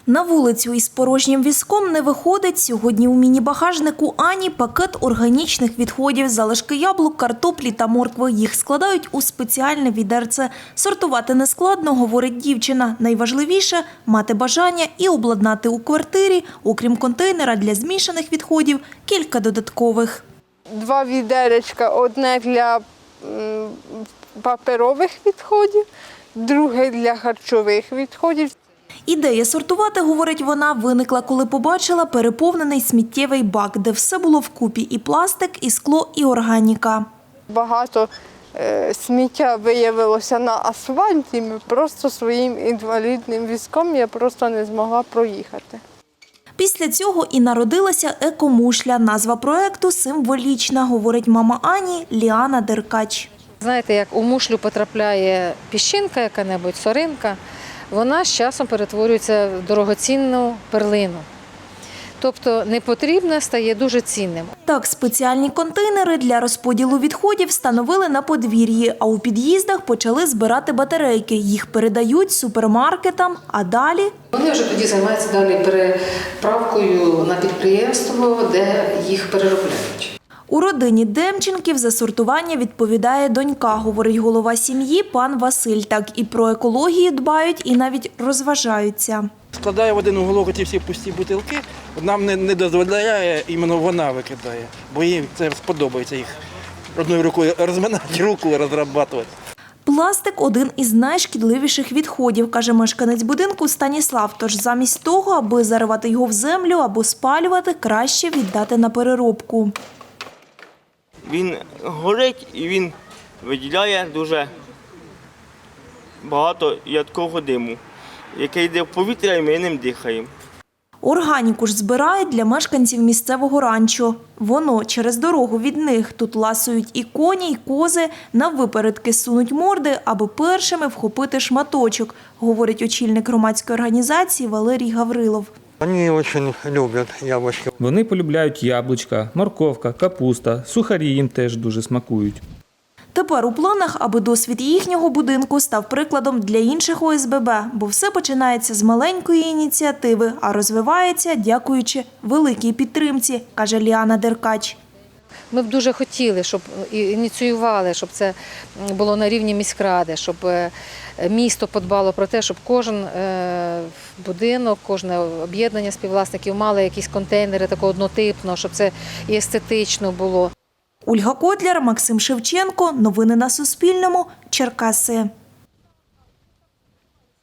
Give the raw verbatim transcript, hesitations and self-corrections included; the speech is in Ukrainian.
На вулицю із порожнім візком не виходить. Сьогодні у міні-багажнику Ані пакет органічних відходів, залишки яблук, картоплі та моркви. Їх складають у спеціальне відерце. Сортувати нескладно, говорить дівчина. Найважливіше – мати бажання і обладнати у квартирі, окрім контейнера для змішаних відходів, кілька додаткових. Два відеречка, одне для м, паперових відходів, друге для харчових відходів. Ідея сортувати, говорить вона, виникла, коли побачила переповнений сміттєвий бак, де все було вкупі – і пластик, і скло, і органіка. Багато е, сміття виявилося на асфальті, ми просто своїм інвалідним візком я просто не змогла проїхати. Після цього і народилася екомушля. Назва проекту символічна, говорить мама Ані Ліана Деркач. Знаєте, як у мушлю потрапляє піщинка яка-небудь, соринка, вона з часом перетворюється в дорогоцінну перлину. Тобто непотрібне стає дуже цінним. Так, спеціальні контейнери для розподілу відходів встановили на подвір'ї, а у під'їздах почали збирати батарейки. Їх передають супермаркетам, а далі… Вони вже тоді займаються далі переправкою на підприємство, де їх переробляють. У родині Демченків за сортування відповідає донька, говорить голова сім'ї пан Василь. Так і про екологію дбають, і навіть розважаються. Складає в один уголок ті всі пусті бутилки, нам не, не дозволяє, іменно вона викидає, бо їй це сподобається їх одною рукою розминати, руку розробляти. Пластик – один із найшкідливіших відходів, каже мешканець будинку Станіслав. Тож замість того, аби заривати його в землю або спалювати, краще віддати на переробку. Він горить і він виділяє дуже багато ядкого диму, який йде в повітря і ми ним дихаємо. Органіку ж збирають для мешканців місцевого ранчо. Воно через дорогу від них. Тут ласують і коні, і кози, наввипередки сунуть морди, аби першими вхопити шматочок, говорить очільник громадської організації Валерій Гаврилов. Вони дуже люблять яблучки. Вони полюбляють яблучка, морковка, капуста, сухарі їм теж дуже смакують. Тепер у планах, аби досвід їхнього будинку став прикладом для інших О С Б Б, бо все починається з маленької ініціативи, а розвивається дякуючи великій підтримці, каже Ліана Деркач. Ми б дуже хотіли, щоб ініціювали, щоб це було на рівні міськради, щоб місто подбало про те, щоб кожен будинок, кожне об'єднання співвласників мали якісь контейнери такого однотипного, щоб це і естетично було. Ольга Котляр, Максим Шевченко. Новини на Суспільному. Черкаси.